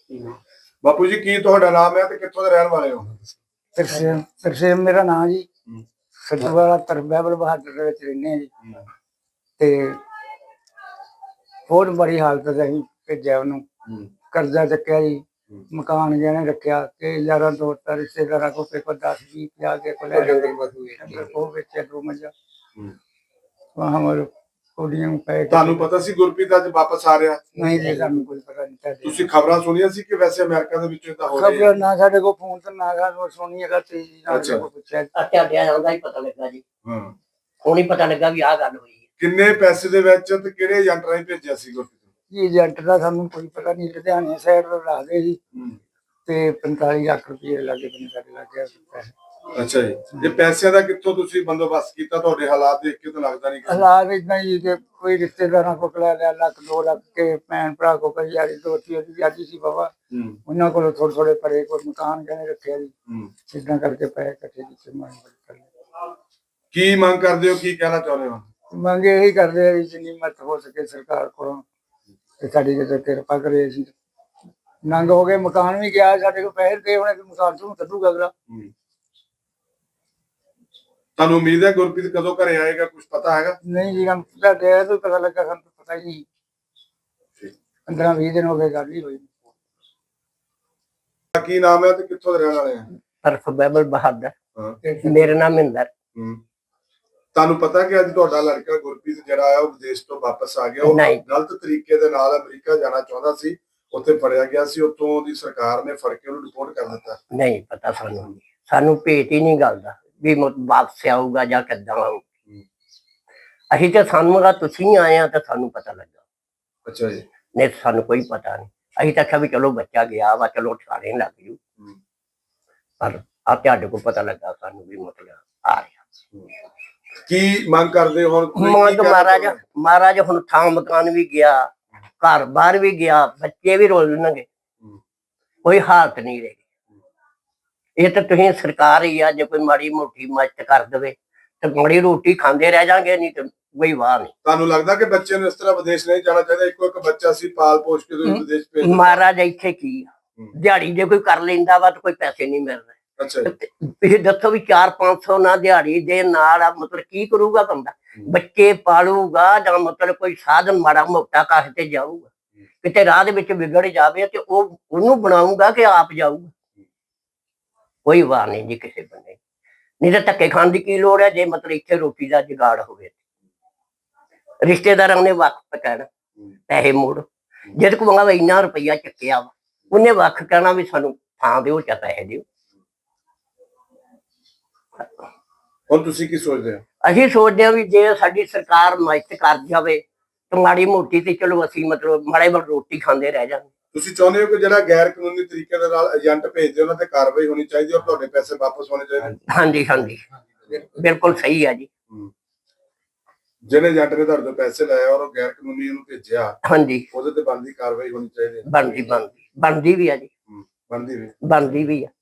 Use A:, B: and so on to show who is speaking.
A: ਬਾਪੂ ਜੀ ਕੀ ਤੁਹਾਡਾ ਨਾਮ ਹੈ ਤੇ ਕਿੱਥੋਂ ਦੇ ਰਹਿਣ ਵਾਲੇ ਹੋ?
B: ਤਰਸੇਮ ਮੇਰਾ ਨਾਮ ਜੀ। ਸਤਵਾਲਾ ਤਰਬੈਬਲ ਬਹਾਦਰ ਦੇ ਵਿੱਚ ਰਹਿੰਦੇ ਜੀ। ਤੇ ਬਹੁਤ ਬੜੀ ਹਾਲਤ ਅਸੀਂ ਭੇਜਿਆ ਉਹਨੂੰ, ਕਰਜ਼ਾ ਚੱਕਿਆ ਜੀ, ਮਕਾਨ ਜਿਹਨੇ ਰੱਖਿਆ ਤੇ ਯਾਰਾਂ ਦੋਸਤਾਂ ਰਿਸ਼ਤੇਦਾਰਾਂ ਕੋਲ 10-20-50 ਕੇ ਕੋਲ ਉਹ ਵੇਚਿਆ 2 ਮੱਝਾਂ ਕੁੜੀਆਂ ਪੈ।
A: ਤੁਹਾਨੂੰ ਪਤਾ ਸੀ ਗੁਰਪ੍ਰੀਤ ਅੱਜ ਵਾਪਸ ਆ ਰਿਹਾ?
B: ਨਹੀਂ ਜੀ, ਸਾਨੂੰ ਕੋਈ ਪਤਾ ਨਹੀਂ।
A: ਤੁਸੀਂ ਖਬਰਾਂ ਸੁਣੀਆਂ ਸੀ ਕਿ ਵੈਸੇ ਅਮਰੀਕਾ ਦੇ ਵਿੱਚ ਤਾਂ ਹੋ ਰਿਹਾ?
B: ਖਬਰ ਨਾ ਸਾਡੇ ਕੋਲ ਫੋਨ ਤੇ ਨਾ ਸਾਨੂੰ ਸੁਣੀ ਹੈਗਾ ਤੇ ਪੁੱਛਿਆ
C: ਤੁਹਾਡੇ ਆਉਂਦਾ ਹੀ ਪਤਾ ਲੱਗਾ ਜੀ। ਹੁਣ ਹੀ ਪਤਾ ਲੱਗਾ ਵੀ ਆਹ ਗੱਲ ਹੋਈ।
A: ਕਿੰਨੇ ਪੈਸੇ ਦੇ ਵਿੱਚ ਤੇ ਕਿਹੜੇ ਏਜੰਟ ਰਾਹੀਂ ਭੇਜਿਆ ਸੀ ਗੁਰਪ੍ਰੀਤ
B: ਜੀ? ਏਜੰਟ ਦਾ ਸਾਨੂੰ ਕੋਈ ਪਤਾ ਨਹੀਂ। ਲੁਧਿਆਣੇ ਸਾਈਡ ਤੋਂ ਰੱਖਦੇ ਜੀ ਤੇ 45 ਲੱਖ ਰੁਪਏ ਲੱਗੇ ਸਾਡੇ ਲੱਗ ਗਿਆ ਪੈਸੇ।
A: ਅੱਛਾ ਜੀ, ਇਹ ਪੈਸਿਆਂ ਦਾ ਕਿੱਥੋਂ ਤੁਸੀਂ ਬੰਦੋਬਸਤ ਕੀਤਾ? ਤੁਹਾਡੇ ਹਾਲਾਤ ਦੇਖ ਕੇ ਤਾਂ ਲੱਗਦਾ ਨਹੀਂ।
B: ਹਾਲਾਤ ਇਦਾਂ ਹੀ ਕਿ ਕੋਈ ਰਿਸ਼ਤੇਦਾਰਾਂ ਕੋਲ ਲੈ ਲਿਆ 1-2 ਲੱਖ ਕੇ, ਭੈਣ ਭਰਾ ਕੋਲ ਕਈ ਯਾਰੀ ਦੋਸਤੀ ਉਹਦੀ ਅੱਜ ਸੀ ਬਾਬਾ, ਉਹਨਾਂ ਕੋਲੋਂ ਥੋੜੇ ਪਰੇ ਕੋਈ ਮਕਾਨ ਕਹਿੰਦੇ ਰੱਖਿਆ ਜੀ। ਇਦਾਂ ਕਰਕੇ ਪੈਸੇ ਇਕੱਠੇ ਕੀਤੇ।
A: ਕੀ ਮੰਗ ਕਰਦੇ ਹੋ, ਕੀ ਕਹਿਣਾ ਚਾਹੁੰਦੇ ਹੋ?
B: ਮੰਗ ਇਹੀ ਕਰਦੇ ਆ ਜਿੰਨੀ ਮਦਦ ਹੋ ਸਕੇ ਸਰਕਾਰ ਕੋਲੋਂ ਤੇ ਸਾਡੀ ਕਿਤੇ ਕਿਰਪਾ ਕਰੇ। ਅਸੀਂ ਨੰਗ ਹੋ ਗਏ, ਮਕਾਨ ਵੀ ਗਿਆ, ਸਾਡੇ ਕੋਲ ਪੈਸੇ ਦੇ ਹੋਣੇ, ਮਕਾਨ ਤੋਂ ਕੱਢੂਗਾ ਅਗਲਾ।
A: ਤੁਹਾਨੂੰ ਉਮੀਦ ਹੈ ਗੁਰਪ੍ਰੀਤ ਕਦੋਂ ਘਰੇ ਆਏਗਾ, ਕੁਝ ਪਤਾ ਹੈਗਾ?
B: ਨਹੀਂ ਜੀ, ਹਮ ਪਤਾ ਲੱਗਾ, ਸਾਨੂੰ ਪਤਾ ਹੀ ਨਹੀਂ। 15-20 ਦਿਨ ਹੋ ਗਏ ਗੱਲ ਹੀ ਹੋਈ।
A: ਕੀ ਨਾਮ ਹੈ ਤੇ ਕਿੱਥੋਂ ਦੇ ਰਹਿਣ ਵਾਲੇ ਆ?
C: ਤਰਬੈਬਲ ਬਹਾਦਰ। ਮੇਰਾ ਨਾਮ ਮਹਿੰਦਰ।
A: ਤੁਹਾਨੂੰ ਪਤਾ ਕਿ ਅੱਜ ਤੁਹਾਡਾ ਲੜਕਾ ਗੁਰਪ੍ਰੀਤ ਜਿਹੜਾ ਆ ਉਹ ਵਿਦੇਸ਼ ਤੋਂ ਵਾਪਸ ਆ ਗਿਆ? ਉਹ ਗਲਤ ਤਰੀਕੇ ਦੇ ਨਾਲ ਅਮਰੀਕਾ ਜਾਣਾ ਚਾਹੁੰਦਾ ਸੀ, ਉੱਥੇ ਫੜਿਆ ਗਿਆ ਸੀ, ਉੱਥੋਂ ਦੀ ਸਰਕਾਰ ਨੇ ਫੜ ਕੇ ਉਹਨੂੰ ਰਿਪੋਰਟ ਕਰ ਦਿੱਤਾ।
C: ਨਹੀਂ ਪਤਾ ਸਾਨੂੰ ਭੇਤ ਹੀ ਨਹੀਂ ਗੱਲ ਦਾ ਵੀ ਵਾਪਸ ਆਊਗਾ ਜਾਂ ਕਿੱਦਾਂ ਆਊਗਾ। ਅਸੀਂ ਤੇ ਸਾਨੂੰ ਤੁਸੀਂ ਆਏ ਆ ਤਾਂ ਸਾਨੂੰ ਪਤਾ ਲੱਗਾ।
A: ਅੱਛਾ ਜੀ।
C: ਨਹੀਂ ਸਾਨੂੰ ਕੋਈ ਪਤਾ ਨਹੀਂ। ਅਸੀਂ ਤਾਂ ਆਖਿਆ ਵੀ ਚਲੋ ਬੱਚਾ ਗਿਆ ਵਾ, ਚਲੋ ਠਿਕਾਣੇ ਲੱਗ ਜੂ, ਪਰ ਆ ਤੁਹਾਡੇ ਕੋਲ ਪਤਾ ਲੱਗਾ ਸਾਨੂੰ ਵੀ ਮਤਲਬ ਆ ਰਿਹਾ।
A: ਕੀ ਮੰਗ ਕਰਦੇ ਹੋ ਹੁਣ?
C: ਮਹਾਰਾਜ ਹੁਣ ਥਾਂ ਮਕਾਨ ਵੀ ਗਿਆ, ਘਰ ਬਾਹਰ ਵੀ ਗਿਆ, ਬੱਚੇ ਵੀ ਰੋਲਣਗੇ, ਕੋਈ ਹਾਲਤ ਨਹੀਂ ਰਹੀ। ਇਹ ਤਾਂ ਤੁਸੀਂ ਸਰਕਾਰ ਹੀ ਆ, ਜੇ ਕੋਈ ਮਾੜੀ ਮੋਟੀ ਮਦਦ ਕਰ ਦੇਵੇ ਤੇ ਮਾੜੀ ਰੋਟੀ ਖਾਂਦੇ ਰਹਿ ਜਾਗੇ, ਨਹੀਂ ਤੇ ਕੋਈ ਵਾਹ ਨਹੀਂ।
A: ਤੁਹਾਨੂੰ ਲੱਗਦਾ ਕਿ ਬੱਚੇ ਨੂੰ ਇਸ ਤਰ੍ਹਾਂ ਵਿਦੇਸ਼ ਨਹੀਂ ਜਾਣਾ ਚਾਹੀਦਾ? ਇੱਕੋ ਇੱਕ ਬੱਚਾ ਸੀ, ਪਾਲ ਪੋਸ਼ ਕੇ ਤੁਸੀਂ ਵਿਦੇਸ਼ ਭੇਜ ਦਿੱਤਾ।
C: ਮਹਾਰਾਜ ਇੱਥੇ ਕੀ ਆ, ਦਿਹਾੜੀ ਜੇ ਕੋਈ ਕਰ ਲੈਂਦਾ ਵਾ ਤਾਂ ਕੋਈ ਪੈਸੇ ਨਹੀਂ ਮਿਲ ਰਹੇ।
A: ਅੱਛਾ ਜੀ।
C: ਤੁਸੀਂ ਦੱਸੋ ਵੀ 400-500 ਨਾ ਦਿਹਾੜੀ ਦੇ ਨਾਲ ਮਤਲਬ ਕੀ ਕਰੂਗਾ ਬੰਦਾ? ਬੱਚੇ ਪਾਲੂਗਾ ਜਾਂ ਮਤਲਬ ਕੋਈ ਸਾਧਨ ਮਾੜਾ ਮੋਟਾ ਕਾਹ ਤੇ ਜਾਊਗਾ? ਕਿਤੇ ਰਾਹ ਦੇ ਵਿੱਚ ਵਿਗੜ ਜਾਵੇ ਤੇ ਉਹਨੂੰ ਬਣਾਊਗਾ ਕਿ ਆਪ ਜਾਊਗਾ? ਕੋਈ ਵਾਰ ਨਹੀਂ ਜੀ ਕਿਸੇ ਬੰਦੇ। ਨਹੀਂ ਤਾਂ ਧੱਕੇ ਖਾਣ ਦੀ ਕੀ ਲੋੜ ਹੈ ਜੇ ਮਤਲਬ ਇੱਥੇ ਰੋਟੀ ਦਾ ਜੁਗਾੜ ਹੋਵੇ। ਰਿਸ਼ਤੇਦਾਰਾਂ ਨੇ ਵਕਤ ਕਹਿਣਾ ਪੈਸੇ ਮੋੜ, ਜਿਹਦੇ ਕੋਲ ਇੰਨਾ ਰੁਪਈਆ ਚੱਕਿਆ ਵਾ ਉਹਨੇ ਵੱਖ ਕਹਿਣਾ ਵੀ ਸਾਨੂੰ ਥਾਂ ਦਿਓ ਜਾਂ ਪੈਸੇ ਦਿਓ।
A: ਹੁਣ ਤੁਸੀਂ ਕੀ ਸੋਚਦੇ ਹੋ?
C: ਅਸੀਂ ਸੋਚਦੇ ਹਾਂ ਵੀ ਜੇ ਸਾਡੀ ਸਰਕਾਰ ਮਦਦ ਕਰ ਜਾਵੇ ਤਾਂ ਮਾੜੀ ਮੋਟੀ ਤੇ ਚਲੋ ਅਸੀਂ ਮਤਲਬ ਮਾੜੇ ਮੋਟੇ ਰੋਟੀ ਖਾਂਦੇ ਰਹਿ ਜਾਂਦੇ।
A: ਤੁਸੀਂ ਚਾਹੁੰਦੇ ਹੋ ਕਿ ਜਿਹੜਾ ਗੈਰ ਕਾਨੂੰਨੀ ਤਰੀਕੇ ਦੇ ਨਾਲ ਏਜੰਟ ਭੇਜਦੇ ਉਹਨਾਂ ਤੇ ਕਾਰਵਾਈ ਹੋਣੀ ਚਾਹੀਦੀ ਔਰ ਤੁਹਾਡੇ ਪੈਸੇ ਵਾਪਸ ਹੋਣੇ ਚਾਹੀਦੇ?
C: ਹਾਂਜੀ ਹਾਂਜੀ, ਬਿਲਕੁਲ ਸਹੀ ਹੈ ਜੀ।
A: ਜਿਹਨੇ ਏਜੰਟ ਨੇ ਤੁਹਾਡੇ ਤੋਂ ਪੈਸੇ ਲਏ ਔਰ ਉਹ ਗੈਰ ਕਾਨੂੰਨੀ ਉਹਨੂੰ ਭੇਜਿਆ,
C: ਹਾਂਜੀ,
A: ਉਹਦੇ ਤੇ ਬਣਦੀ ਕਾਰਵਾਈ ਹੋਣੀ ਚਾਹੀਦੀ।
C: ਬਣਦੀ ਵੀ ਆ ਜੀ।
A: ਬਣਦੀ ਵੀ
C: ਬਣਦੀ ਵੀ ਆ।